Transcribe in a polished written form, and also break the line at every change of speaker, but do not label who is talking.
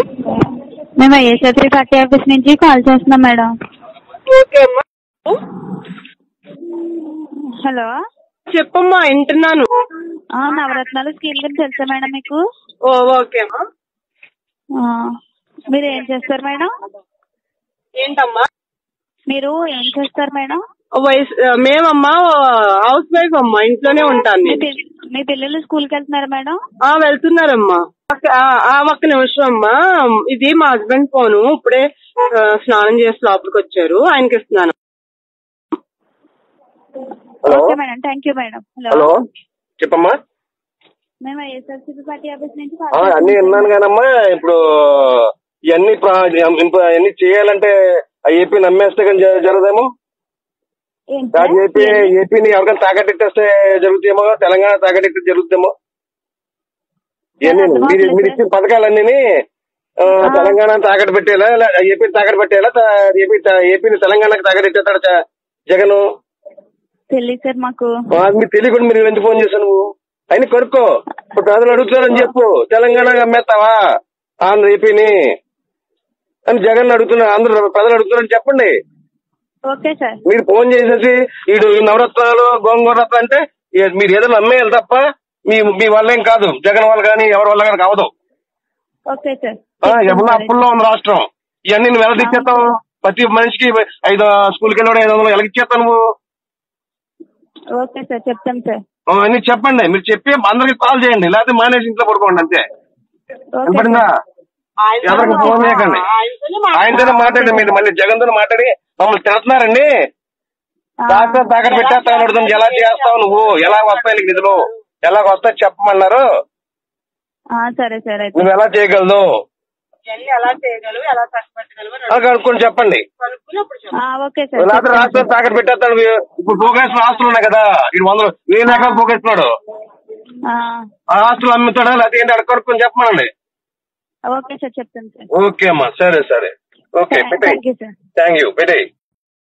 మేము YSR party office నుంచి call చేస్తున్నాం మేడం.
ఓకే అమ్మా.
హలో
చెప్పమ్మా, వింటున్నాను.
నవరత్నాలు స్కీమ్ గురించి తెలుసా మేడం మీకు?
ఓకే అమ్మా.
మీరు ఏం చేస్తారు మేడం?
ఏంటమ్మా?
మీరు ఏం చేస్తారు మేడం?
మేమమ్మా హౌస్ వైఫ్ అమ్మా, ఇంట్లోనే ఉంటాను.
మీ పిల్లలు స్కూల్కి వెళ్తున్నారా మేడం?
వెళ్తున్నారమ్మా. ఒక్క నిమిషం అమ్మా, ఇది మా హస్బెండ్ ఫోను. ఇప్పుడే స్నానం చేసి లోపలికి వచ్చారు, ఆయనకి ఇస్తున్నాను.
Okay madam, thank you madam.
Hello చెప్పమ్మా.
మేము వైఎస్ఆర్సీపీ పార్టీ ఆఫీస్ నుంచి
అన్ని విన్నాను కానమ్మా. ఇప్పుడు ఇవన్నీ చేయాలంటే ఏపీ నమ్మేస్తే కానీ జరగదేమో. ఏపీని ఎవరికైనా తాకట్టేస్తే జరుగుతాయేమో, తెలంగాణ తాకట్టేస్తే జరుగుతాయేమో. ఇవన్నీ మీరు ఇచ్చిన పథకాలన్నీ తెలంగాణ తాకట్టు పెట్టేలా, ఏపీని తాకట్టు పెట్టేలా, ఏపీని తెలంగాణకి తాకట్టెట్టాడు జగన్.
తెలియదు సార్ మాకు.
మీకు తెలియకుండా మీరు ఎందుకు ఫోన్ చేశాను? నువ్వు అయినా కొనుక్కో. ఇప్పుడు ప్రజలు అడుగుతున్నారని చెప్పు, తెలంగాణ అమ్మేస్తావా ఆంధ్ర ఏపీని అని జగన్ అడుగుతున్నారు, ఆంధ్ర ప్రజలు అడుగుతున్నారని చెప్పండి.
Okay sir.
మీరు ఫోన్ చేసేసి వీడు నవరత్నాలు గోంగూర రత్నం అంటే మీరు ఏదైనా అమ్మేయాలి తప్ప మీ వల్ల ఏం కాదు, జగన్ వల్ల కానీ ఎవరి వల్ల కానీ కావదు.
Okay sir.
ఎవరన్నా అప్పుల్లో ఉంది రాష్ట్రం. ఇవన్నీ నువ్వు ఎలా తెచ్చేస్తావు? ప్రతి మనిషికి 5 స్కూల్కి వెళ్ళి 500 ఎలా ఇచ్చేస్తావు నువ్వు?
ఓకే సార్, చెప్తాం సార్.
అన్ని చెప్పండి, మీరు చెప్పి అందరికి కాల్ చేయండి, లేకపోతే మానేసి ఇంట్లో పడుకోండి అంతే. వినపడిందా? ఎవరికి ఫోన్ చేయకండి, ఆయనతోనే మాట్లాడండి. మీరు మళ్ళీ జగన్ తో మాట్లాడి మమ్మల్ని తిడుతున్నారండి. రాష్ట్రం తాకట్టు పెట్టేస్తావు అడుగుతుంది. ఎలా చేస్తావు నువ్వు? ఎలా వస్తాయి నీకు నిధులు? ఎలా వస్తాయి చెప్పమన్నారు.
సరే సరే,
నువ్వు ఎలా చేయగలదు కనుక్కొని చెప్పండి. లేకపోతే రాష్ట్రం తాకట్టు పెట్టేస్తాడు. ఇప్పుడు పోగేసిన ఆస్తులు ఉన్నాయి కదా, ఇది 100,000 ఎకరాలు పోగేస్తున్నాడు. ఆ ఆస్తులు అమ్ముతాడా లేకపోతే ఏంటి అక్కడ కనుక్కొని చెప్పమనండి.
ఓకే సార్, చెప్తాను సార్.
ఓకే అమ్మా, సరే సరే, ఓకే పెట్టేయ్.
Thank you sir.
Thank you, పెట్టేయ్.